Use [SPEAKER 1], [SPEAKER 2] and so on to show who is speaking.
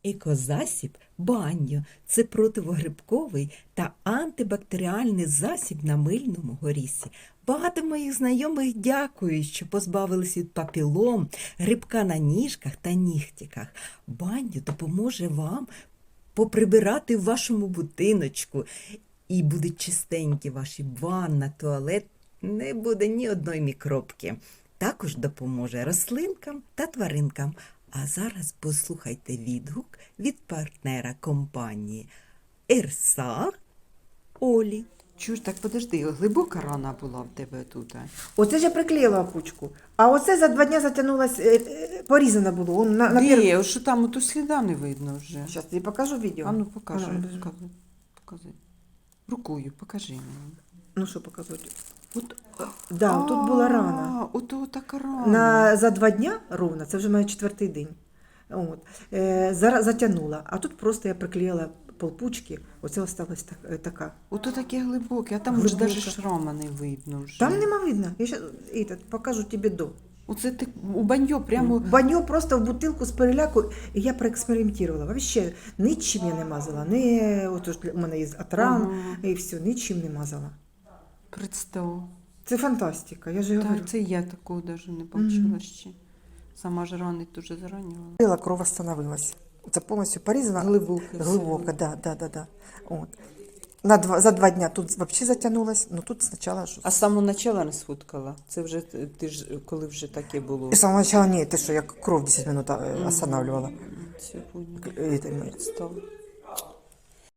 [SPEAKER 1] Екозасіб баньо – це противогрибковий та антибактеріальний засіб на мильному горісі. Багато моїх знайомих дякують, що позбавились від папілом, грибка на ніжках та нігтіках. Баньо допоможе вам поприбирати в вашому будиночку, і будуть чистенькі ваші ванна, туалет, не буде ні одної мікробки. Також допоможе рослинкам та тваринкам. А зараз послухайте відгук від партнера компанії Ерса Олі.
[SPEAKER 2] Чуж, так подожди, глибока рана була в тебе тут.
[SPEAKER 3] Оце ж я приклеїла опучку. А оце за 2 дні затягнулось, порізано було. Он
[SPEAKER 2] Де? Ось що там, ото сліда не видно вже.
[SPEAKER 3] Зараз тобі покажу відео.
[SPEAKER 2] А ну покажи,
[SPEAKER 3] Вона біжить.
[SPEAKER 2] покажи. Рукою покажи мені.
[SPEAKER 3] Ну що показувати?
[SPEAKER 2] От,
[SPEAKER 3] Да, тут була рана.
[SPEAKER 2] Ото така рана.
[SPEAKER 3] За 2 дні ровно, це вже має 4-й день. От. Зараз затягнула. А тут просто я приклеїла полпучки, оце осталась така.
[SPEAKER 2] Ото таке глибоке, а там
[SPEAKER 3] Глибоке.
[SPEAKER 2] вже навіть шрама не видно вже.
[SPEAKER 3] Там нема видно. Я щас, покажу тобі до.
[SPEAKER 2] Оце ти у баньо прямо...
[SPEAKER 3] Баньо просто в бутилку з переляку, і я проекспериментувала. Вообще нічим я не мазала. У мене є от ран,
[SPEAKER 2] Ага.
[SPEAKER 3] і все, нічим не мазала.
[SPEAKER 2] Представ.
[SPEAKER 3] Це фантастика, я ж говорю.
[SPEAKER 2] Так, це я такого навіть не бачила ще. Сама ж рани дуже заранювала.
[SPEAKER 3] Кров остановилась. Це повністю порізано. Глибоко, да. От. За 2 дні тут взагалі затягнулось, але тут спочатку щось.
[SPEAKER 2] А з самого початку не сфоткала? Це вже ти ж коли вже таке було?
[SPEAKER 3] І з самого початку ні, ти що, я кров 10 минут останавливала.
[SPEAKER 2] Сьогодні.
[SPEAKER 3] Это мы.
[SPEAKER 2] Представ.